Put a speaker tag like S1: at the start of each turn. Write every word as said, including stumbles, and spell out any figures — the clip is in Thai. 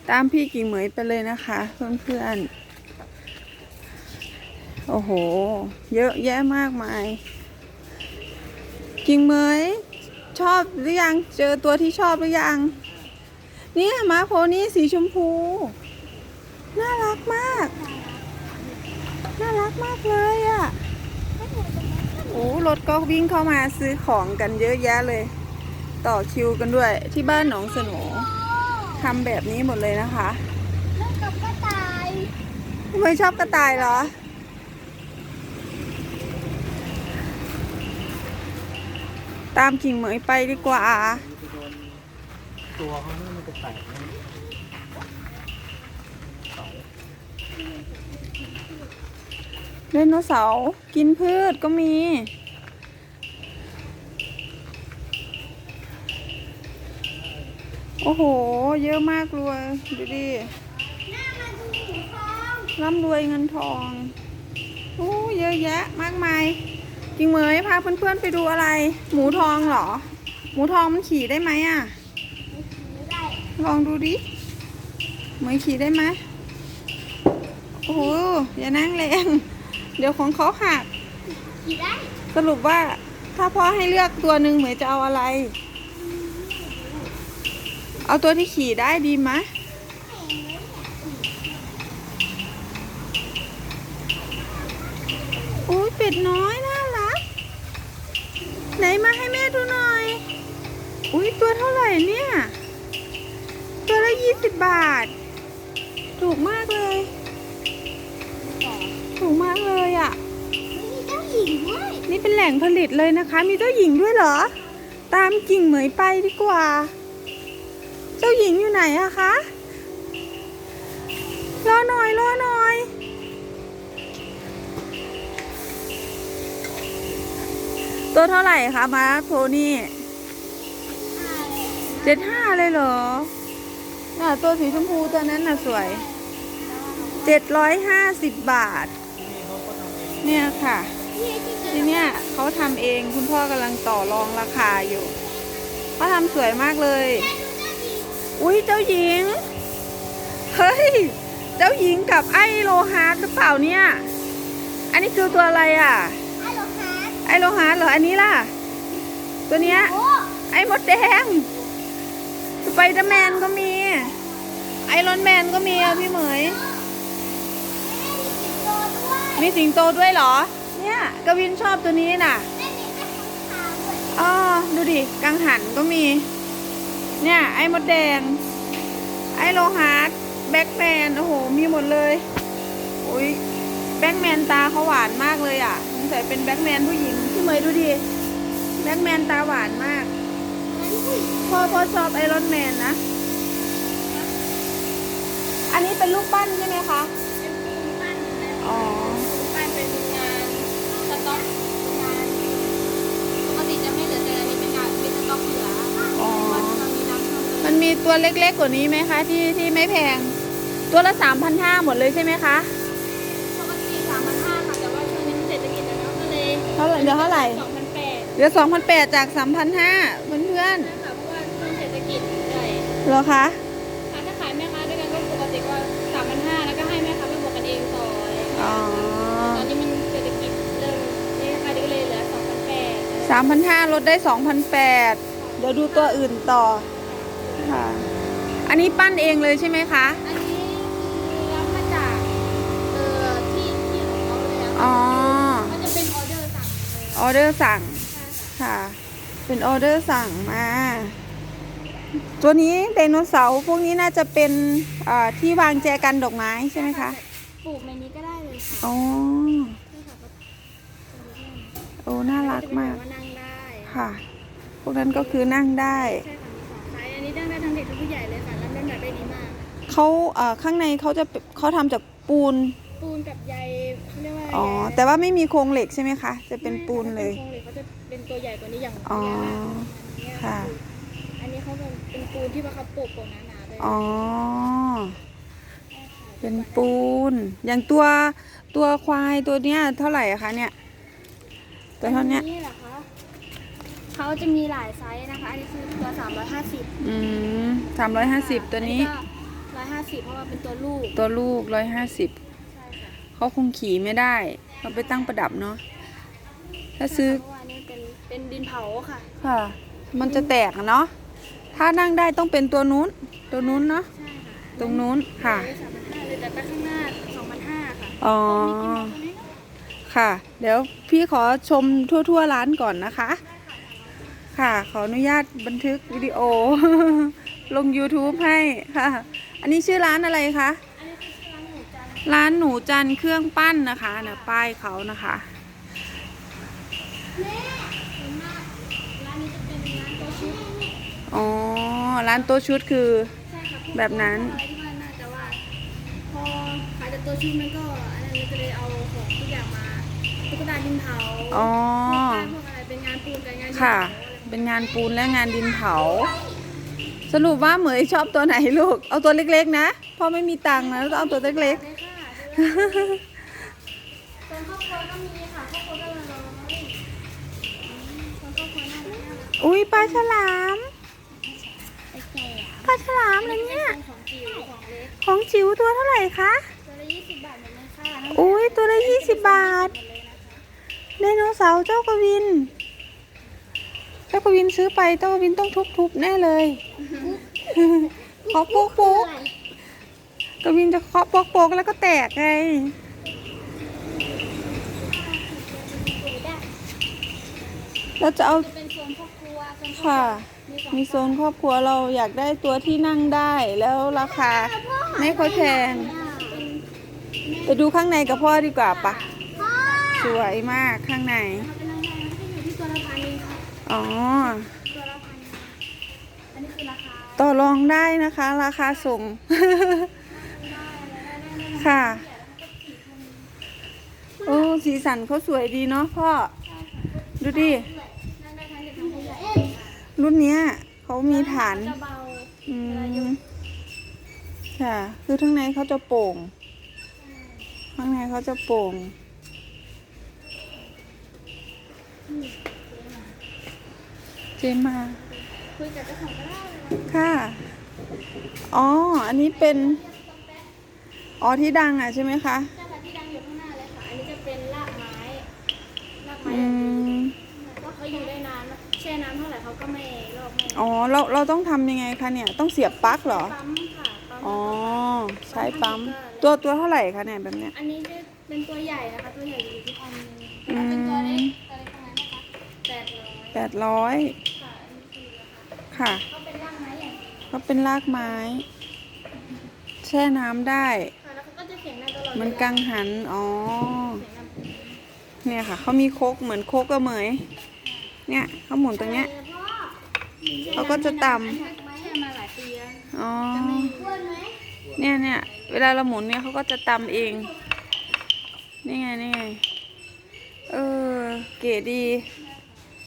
S1: ตามพี่กิ่งเหมยไปเลยนะคะเพื่อนๆโอ้โหเยอะแยะมากมายกิ่งเหมยชอบหรือยังเจอตัวที่ชอบหรือยังเนี่ยม้าโพนี่สีชมพูน่ารักมากน่ารักมากเลยอ่ะโอ้รถก็วิ่งเข้ามาซื้อของกันเยอะแยะเลยต่อคิวกันด้วยที่บ้านหนองสโหนทำแบบนี้หมดเลยนะคะ
S2: เล่นกับกระต่าย
S1: ทำไมชอบกระต่ายเหรอตามกิ่งเหมยไปดีกว่า
S3: ตัวเขานี่มันจะแตกนะ
S1: ไดโนเสาร์กินพืชก็มีโอ้โหเยอะมากเลยดูดิร่ำรวยเงินทองโอ้เยอะแยะมากมายกิ่งเหมยพาเพื่อนๆไปดูอะไรหมูทองเหรอหมูทองมันขี่ได้ไหมอ่ะลองดูดิเหมยขี่ได้ไหมโอ้โหอย่านั่งแรงเดี๋ยวของเขาหัก
S2: ขี่ได้
S1: สรุปว่าถ้าพ่อให้เลือกตัวหนึ่งเหมยจะเอาอะไรเอาตัวที่ขี่ได้ดีไหมโอ้ยเป็ดน้อยน่ารักไหนมาให้แม่ดูหน่อยอุ้ยตัวเท่าไหร่เนี่ยตัวละยี่สิบบาทถูกมากเลยถูกมากเลยอ่ะ
S2: มีเจ้าหญิงด้วย
S1: นี่เป็นแหล่งผลิตเลยนะคะมีเจ้าหญิงด้วยเหรอตามกิ่งเหมยไปดีกว่าเจ้าหญิงอยู่ไหนอะคะรอหน่อยรอหน่อยตัวเท่าไหร่คะม้าโพนี่เจ็ดห้าเลยเหรอน่ะตัวสีชมพูตัวนั้นน่ะสวยเจ็ดร้อยห้าสิบบาทเนี่ยค่ะทีเนี้ยเขาทำเองคุณพ่อกำลังต่อรองราคาอยู่เขาทำสวยมากเลยอุ้ยเจ้าหญิงเฮ้ยเจ้าหญิงกับไอโลฮาร์ดหรือเปล่าเนี่ยอันนี้คือตัวอะไรอ่ะ
S2: ไอโลฮาร์ด
S1: ไอโลฮาร์ดเหรออันนี้ล่ะตัวเนี้ยไอมดแดงสไปเดอร์แมนก็มีไอรอนแมนก็มีอ่ะพี่เหมยมีสิงโตด้วยเหรอเนี่ยกวินชอบตัวนี้น่ะอ๋อดูดิกังหันก็มีเนี่ยไอ้มดแดงไอ้โลฮาร์ดแบ็กแมนโอ้โหมีหมดเลยอุ้ยแบ็กแมนตาเขาหวานมากเลยอ่ะสงสัยเป็นแบ็กแมนผู้หญิงพี่เมย์ดูดิแบ็กแมนตาหวานมากพ่อพ่อชอบไอรอนแมนนะอันนี้เป็นรูปปั้นใช่ไหมคะ
S2: เป็นปูนปั้น
S1: อ๋อ
S2: ปั้นเป็นงานสต็อกงานปกติจะไม่เหลือแต่อันนี้เป็นงานเป็นสต็อกเหลือ
S1: อ๋อมันมีตัวเล็กๆกว่านี้ไหมคะที่ที่ไม่แพงตัวละสามพันห้าหมดเลยใช่ไหมคะ
S2: ปกติสามพันห้าค่ะแต่ว่าช่วงนี้เศรษฐกิจแล้วก็เลย
S1: เท่าไหร่เดี๋ยวเท่าไหร่
S2: สองพันแปด
S1: เดี๋ยวสองพันแปดจากสามพันห้าเพื่อนเพื่อน
S2: ใช่ค่ะเพราะว่าช่วงเศรษฐกิจใหญ่
S1: เหรอคะ
S2: ถ้าขายแม่ค้าด้วยกันก็ปกติก็สามพันห้าแล้วก็ให้แม่ค้าไปบวกกันเองต่อ
S1: อ๋อ
S2: ตอนนี้มันเศรษฐกิจเริ่มนี่ค่ะก็เลยเหลือสองพันแปด
S1: สามพันห้าลดได้สองพันแปดเดี๋ยวดูตัวอื่นต่อค่ะอันนี้ปั้นเองเลยใช่ไหมคะ
S2: อันนี้คือรับมาจากเอ่อที่ที่ของเขาเลยอะ
S1: อ๋อ
S2: มันจะเป็นออเดอร์สั่ง
S1: ออเดอร์สั่งค่ะเป็นออเดอร์สั่งมาตัวนี้ไดโนเสาร์พวกนี้น่าจะเป็นที่วางแจกันดอกไม้ใช่ไหมคะ
S2: ปลูกในนี้ก็ได้เลยค่ะ
S1: อ๋อโอ้น่ารักมาก
S2: นั่งได้
S1: ค่ะพวกนั้นก็คือนั่งได้
S2: ใช่ค่ะมีสองไซส์อันนี้นั่งได้ทั้งเด็กทั้งผู้ใหญ่เลยค่ะรับน้ำหนักได้ดีมาก
S1: เขาข้างในเขาจะเขาทำจากปูน
S2: ปูนกับใยเขาเรียกว่า
S1: อ๋อแต่ว่าไม่มีโครงเหล็กใช่ไหมคะจะเป็นปูนเลย
S2: โครงเหล็กเขาจะเป็นตัวใหญ่กว่านี้อย่าง
S1: อ๋อค่ะ
S2: อันนี้เขาเป็นปูนที่ว่าเขาปลูกโปะหนาๆเลย
S1: อ๋อเป็นปูนอย่างตัวตัวควายตัวเนี้ยเท่าไหร่อะคะเนี่ยตัวเท่านี้
S2: นี่เหรอคะเขาจะมีหลายไซส์นะคะอันนี้คือตัวสามร้อยห้าสิบ
S1: อืมสามร้อยห้าสิบตัวนี้
S2: ร้อยอยห้าสิบเพราะว่าเป็นตัวลูก
S1: ตัวลูกร้อยห้าสิบ
S2: ใช่ค่ะ
S1: เขาคงขี่ไม่ได้เขาไปตั้งประดับเนาะถ้าซื้อ
S2: เพราะว่านี่เป็นเป็นดินเผาค่ะ
S1: ค่ะ มันจะแตกอะเนาะถ้านั่งได้ต้องเป็นตัวนู้น ตัวนู้นเนาะ
S2: ใช่ค่ะ
S1: ตรงนู้นค่ะ
S2: สามพันห้าเลยแต่ไปข้างหน้าสองพันห้าค่ะ
S1: อ๋อ
S2: มีกินหมดตัวนี้เนาะ
S1: ค่ะ เดี๋ยวพี่ขอชมทั่วๆร้านก่อนนะคะ ค่ะ ขออนุญาตบันทึกวิดีโอ ลง YouTube ให้ค่ะ อันนี้ชื่อร้านอะไรคะ
S2: อันนี้คือร้านหมูจันทร์
S1: ร้านหนูจันทร์เครื่องปั้นนะคะนะป้ายเขานะคะ
S2: แม่ส่วนมากร้านนี้จะเป็นร้านโต๊ะชุด
S1: อ๋อ ร้านโต๊ะชุดคือ
S2: ใช่ค่ะพวก
S1: แบบนั้น
S2: อะไรที่ว่าน่าจะว่าพอขายแต่ตัวชุดมันก็อันนั้นก็เลยเอาของทุกอย่างมาตุ๊กตาดินเผา
S1: อ๋อ
S2: พวกป้ายพวกอะไรเป็นงานปูนกับงานดินเผา
S1: ค่ะ
S2: อะไรพวกนี้
S1: เป็นงานปูนและงานดินเผา สรุปว่าเหมยชอบตัวไหนลูก เอาตัวเล็กๆนะเพราะไม่มีตังค์นะต้องเอาตัวเล็ก
S2: เลยค่ะส่วนครอบครัวก็มีค่ะครอบครัวก็ละร้อยอืมส่วนครอบครัวน่ารักน่ารัก
S1: ๆ อุ้ยปลาฉลาม
S2: ไอ้แก่
S1: ปลาฉลามอะไรเนี่ย
S2: ของจิ๋วของเล็ก
S1: ของจิ๋วตัวเท่าไหร่คะ
S2: ตัวละยี่สิบบาทหมดเลยค่ะ
S1: อุ้ยตัวละยี่สิบบาท
S2: หมดเลยนะคะ
S1: ไดโนเสาร์เจ้ากวิน เจ้ากวินซื้อไปเจ้ากวินต้องทุบๆแน่เลย เคาะโป๊กโป๊กกวินจะเคาะโป๊กโป๊กแล้วก็แตกไง เราจะเอา
S2: จะเป็นโซนครอบครัวโซนครอบครัว
S1: ค่ะ
S2: มีสอง
S1: มีโซนครอบครัวเราอยากได้ตัวที่นั่งได้แล้วราคาไม่ค่อยแพง ไปดูข้างในกับพ่อดีกว่าปะสวยมากข้างใน
S2: เป็นรางวัลก็จะอยู่ที่ตัวละพันเองค่ะ
S1: อ๋อ
S2: ตัวละพันอันนี้คือราคา
S1: ต่อรองได้นะคะ ราคาส่ง ค่ะ โอ้สีสันเขาสวยดีเนาะพ่อ ดูดิ
S2: นั่นได้ทั้งเด็กทั้งผู้ใหญ่
S1: รุ่นเนี้ยเขามีฐาน
S2: จะเบา
S1: อื
S2: เวลายก
S1: มค่ะ คือข้างในเขาจะโป่ง ข้างในเขาจะโป่ง เจมา
S2: คุยกับเจ้าของก็ได้เลย
S1: ค่ะ อ๋อ อันนี้เป็น อ๋อที่ดังอ่ะใช่ไหมคะ
S2: ใช่ค่ะที่ดังอยู่ข้างหน้าเลยค่ะ อันนี้จะเป็นรากไม้รากไม้
S1: อืม
S2: ก็เขาอยู่ได้นานนะแช่น้ำเท่าไหร่เขาก็ไม่ลอกไม่
S1: อ๋อ เราเราต้องทำยังไงคะเนี่ย ต้องเสียบปลั๊กเหรอ
S2: ปั๊มค่ะปั๊ม
S1: อ๋อ ใช้ปั๊ม ตัวตัวเท่าไหร่คะเนี่ยแบบเนี้ย
S2: อันนี้จะเป็นตัวใหญ่นะคะตัวใหญ่อยู่ที่พันหนึงแต่ถ้าเป็นตัวเล็กตัวเล็กตรงนั้นนะคะแปดร้อย
S1: แปดร้อย
S2: ค่ะอันนี้คือราคา
S1: ค่ะ
S2: เขาเป็นรากไม้อย่างเดียว
S1: ก็เป็นรากไม้ แช่น้ำได้
S2: ค่ะแล้วเขาก็จะเสียงดังตลอด
S1: มันกังหัน อ๋อ
S2: เสียงดัง
S1: เนี่ยค่ะ เขามีโคกเหมือนโคกกระเหมย เนี่ยเขาหมุนตรงเนี้ย เขาก็จะต่ำ
S2: อันนี้แช่มาหลายปีแล้ว
S1: อ๋อ
S2: จะไม่อ้วนไหม
S1: เนี่ยเนี่ยเวลาเราหมุนเนี่ยเขาก็จะตำเอง นี่ไง นี่ไง เออ เก๋ดี
S2: ใ